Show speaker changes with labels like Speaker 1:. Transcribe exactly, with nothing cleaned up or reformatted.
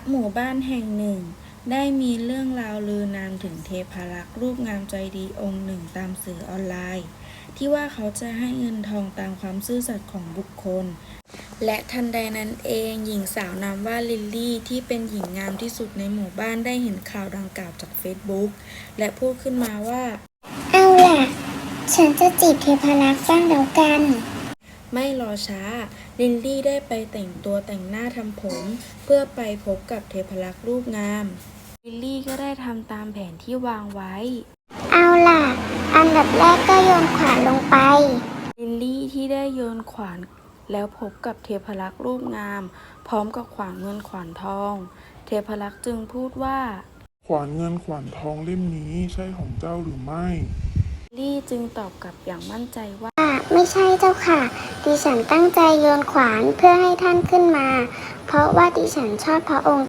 Speaker 1: หมู่บ้านแห่งหนึ่งได้มีเรื่องราวลือนามถึงเทพารักษ์รูปงามใจดีองค์หนึ่งตามสื่อออนไลน์ ที่ว่าเขาจะให้เงินทองตามความซื่อสัตย์ของบุคคล และทันใดนั้นเองหญิงสาวนามว่าลิลลี่ที่เป็นหญิงงามที่สุดในหมู่บ้านได้เห็นข่าวดังกล่าวจากเฟซบุ๊กและพูดขึ้นมาว่า
Speaker 2: เอาล่ะฉันจะจีบเทพารักษ์บ้างแล้วกัน
Speaker 1: ไม่รอช้าลิลลี่ได้ไปแต่งตัวแต่งหน้าทำผมเพื่อไปพบกับเทพารักษ์รูปงามลิลลี่ก็ได้ทำตามแผนที่วางไว้
Speaker 2: เอาล่ะอันดับแรกก็โยนขวานลงไป
Speaker 1: ลิลลี่ที่ได้โยนขวานแล้วพบกับเทพารักษ์รูปงามพร้อมกับขวานเงินขวานทองเทพารักษ์จึงพูดว่า
Speaker 3: ขวานเงินขวานทองเล่มนี้ใช่ของเจ้าหรือไม่
Speaker 1: ลิลลี่จึงตอบกลับอย่างมั่นใจว่า
Speaker 2: ไม่ใช่เจ้าค่ะดิฉันตั้งใจโยนขวานเพื่อให้ท่านขึ้นมาเพราะว่าดิฉันชอบพระองค์